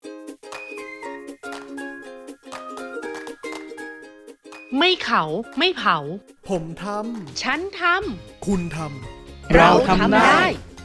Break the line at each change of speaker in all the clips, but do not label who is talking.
ไม่เขาไม่เผา
ผมท
ฉันท
ำคุณทำ
ำเราทำได้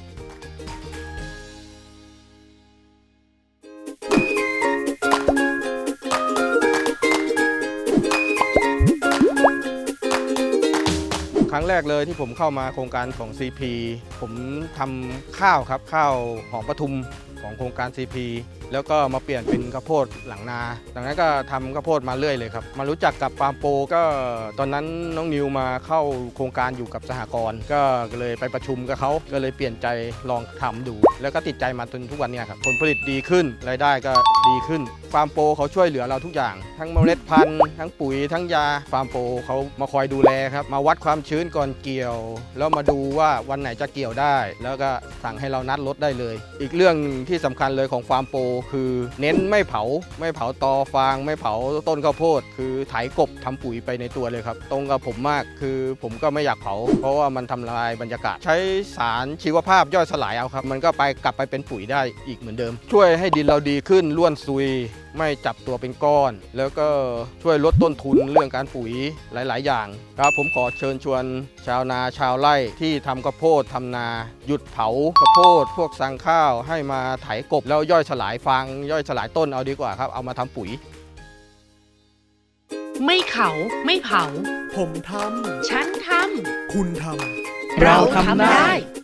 ครั้งแรกเลยที่ผมเข้ามาโครงการของ CP ผมทำข้าวครับข้าวหอมปทุมของโครงการ CP แล้วก็มาเปลี่ยนเป็นข้าวโพดหลังนาดังนั้นก็ทำข้าวโพดมาเรื่อยเลยครับมารู้จักกับฟาร์มโปรก็ตอนนั้นน้องนิวมาเข้าโครงการอยู่กับสหกรณ์ก็เลยไปประชุมกับเขาก็เลยเปลี่ยนใจลองทำดูแล้วก็ติดใจมาจนทุกวันนี้ครับผลผลิตดีขึ้นรายได้ก็ดีขึ้นฟาร์มโปรเขาช่วยเหลือเราทุกอย่างทั้งเมล็ดพันธุ์ทั้งปุ๋ยทั้งยาฟาร์มโปรเขามาคอยดูแลครับมาวัดความชื้นก่อนเกี่ยวแล้วมาดูว่าวันไหนจะเกี่ยวได้แล้วก็สั่งให้เรานัดรถได้เลยอีกเรื่องที่สำคัญเลยของฟาร์มโปรคือเน้นไม่เผาตอฟางไม่เผาต้นข้าวโพดคือไถกบทำปุ๋ยไปในตัวเลยครับตรงกับผมมากคือผมก็ไม่อยากเผาเพราะว่ามันทำลายบรรยากาศใช้สารชีวภาพย่อยสลายเอาครับมันก็กลับไปเป็นปุ๋ยได้อีกเหมือนเดิมช่วยให้ดินเราดีขึ้นร่วนซุยไม่จับตัวเป็นก้อนแล้วก็ช่วยลดต้นทุนเรื่องการปุ๋ยหลายๆอย่างครับผมขอเชิญชวนชาวนาชาวไร่ที่ทำข้าวโพดทำนาหยุดเผาข้าวโพดพวกสั่งข้าวให้มาไถกบแล้วย่อยสลายฟางย่อยสลายต้นเอาดีกว่าครับเอามาทำปุ๋ย
ไม่เขาไม่เผา
ผมท
ฉันท
ำคุณท
ำเราทำได้